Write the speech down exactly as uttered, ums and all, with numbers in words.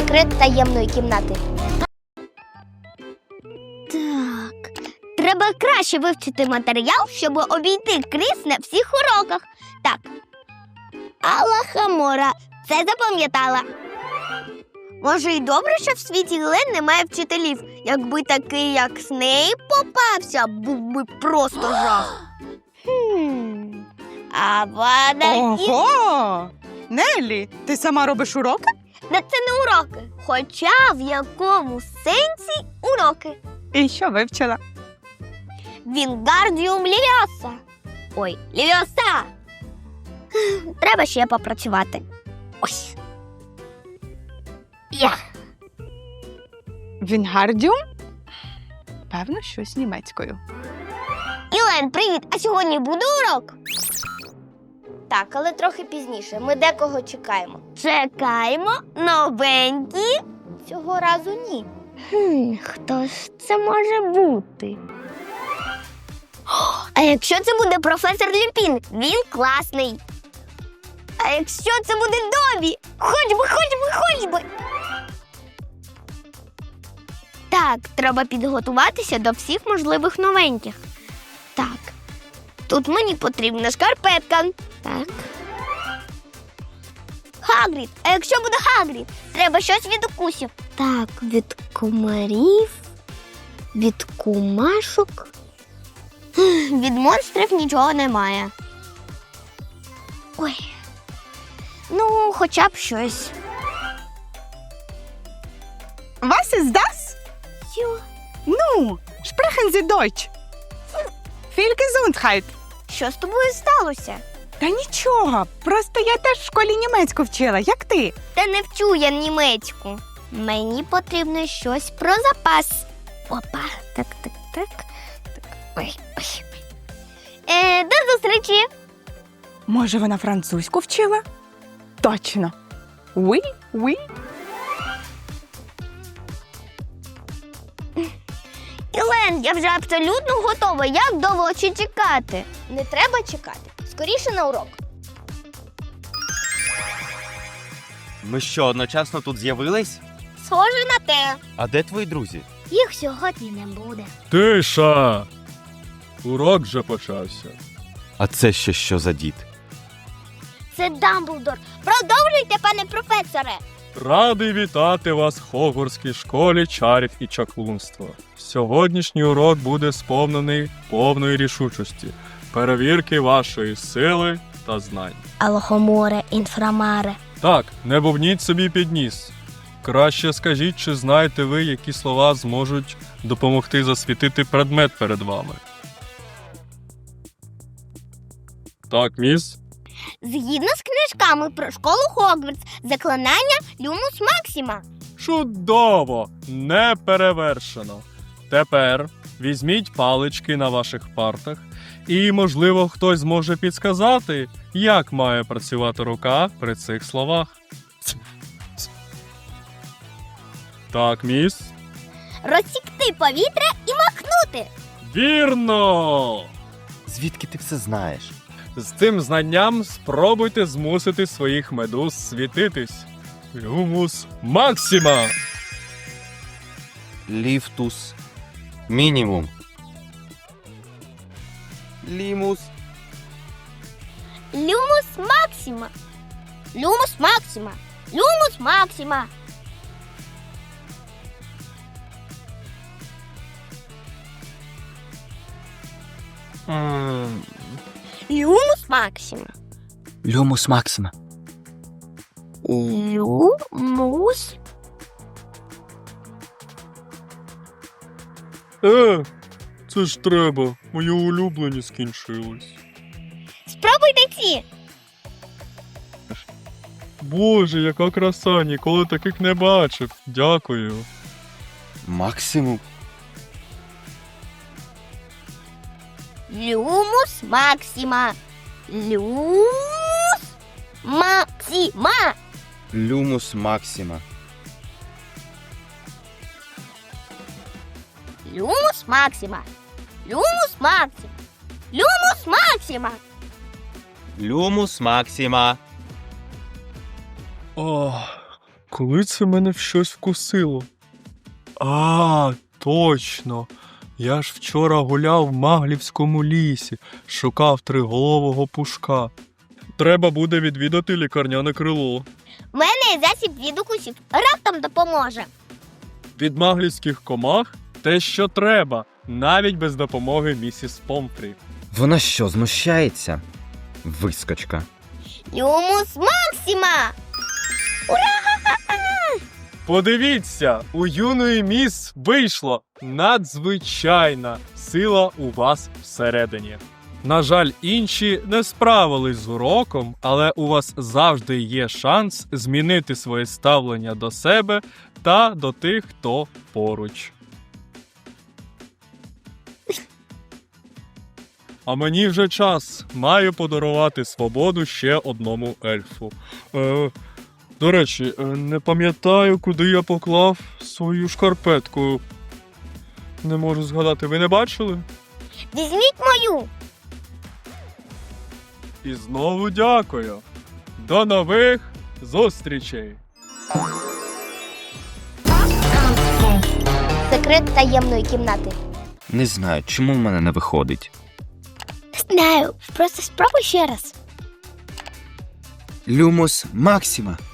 секрет таємної кімнати. Так, треба краще вивчити матеріал, щоб обійти Кріс на всіх уроках. Так, Алахамора, це запам'ятала. Може, й добре, що в світі Глен немає вчителів. Якби такий, як Снейп, попався, був би просто жах. Хм. А вона... Ого! Неллі, ти сама робиш уроки? Та це не уроки. Хоча в якому сенсі уроки. І що вивчила? Вінгардіум Лівіоса. Ой, Лівіоса. Треба ще попрацювати. Ось. Я. Вінгардіум? Певно, щось німецькою. Ілен, привіт! А сьогодні буде урок? Так, але трохи пізніше. Ми декого чекаємо. Чекаємо? Новенькі? Цього разу ні. Хм, хто ж це може бути? А якщо це буде професор Люпін? Він класний. А якщо це буде Добі? Хоч би, хоч би, хоч би! Так, треба підготуватися до всіх можливих новеньких. Так, тут мені потрібна шкарпетка. Так. Хагрід. А якщо буде Хагрід? Треба щось від укусів. Так, від комарів, від кумашок. Від монстрів нічого немає. Ой. Ну, хоча б щось. Was ist das? Що? Ну, sprechen Sie Deutsch. Viel Gesundheit. Що з тобою сталося? Та нічого, просто я теж в школі німецьку вчила, як ти. Та не вчу я німецьку. Мені потрібно щось про запас. Опа, так, так, так. так. Ой, ой. Е, до зустрічі. Може, вона французьку вчила? Точно. Oui, oui. Ілен, я вже абсолютно готова. Як довго ще чекати? Не треба чекати. Скоріше на урок. Ми що, одночасно тут з'явились? Схоже на те. А де твої друзі? Їх сьогодні не буде. Тиша! Урок вже почався. А це ще що за дід? Це Дамблдор. Продовжуйте, пане професоре. Радий вітати вас в Хогвартській школі чарів і чаклунства. Сьогоднішній урок буде сповнений повної рішучості, перевірки вашої сили та знань. Алохоморе, інфрамаре. Так, не бубніть собі під ніс. Краще скажіть, чи знаєте ви, які слова зможуть допомогти засвітити предмет перед вами. Так, міс? Згідно з книжками про школу Хогвартс, заклинання Люмус Максима. Чудово! Не перевершено. Тепер візьміть палички на ваших партах і, можливо, хтось зможе підсказати, як має працювати рука при цих словах. Так, міс? Розсікти повітря і махнути. Вірно! Звідки ти все знаєш? З цим знанням спробуйте змусити своїх медуз світитись. Люмус Максима! Ліфтус. Мінімум. Лімус. Люмус Максима. Люмус Максима. Люмус Максима. М, Люмус Максима. Люмус Максима. Люмус. Е, це ж треба. Мої улюблені скінчились. Спробуйте ці. Боже, яка краса, ніколи таких не бачив. Дякую. Максимум. Люмус Максима. Люмус Максима. Люмус Максима. Люмус Максима. Люмус Максима. Люмус Максима. Люмус Максима. Ох, Коли це мене в щось вкусило? А, точно. Я ж вчора гуляв в Маглівському лісі, шукав триголового пушка. Треба буде відвідати лікарняне крило. В мене є засіб від укусів. Раптом допоможе. Від маглівських комах те, що треба, навіть без допомоги місіс Помфрі. Вона що, знущається? Вискочка. Люмус Максима! Подивіться, у юної міс вийшло надзвичайна сила у вас всередині. На жаль, інші не справились з уроком, але у вас завжди є шанс змінити своє ставлення до себе та до тих, хто поруч. А мені вже час. Маю подарувати свободу ще одному ельфу. Е, до речі, е, не пам'ятаю, куди я поклав свою шкарпетку. Не можу згадати, ви не бачили? Візьміть мою. І знову дякую. До нових зустрічей! Секрет таємної кімнати. Не знаю, чому в мене не виходить. Знаю, просто спробуй ще раз. Люмус Максима.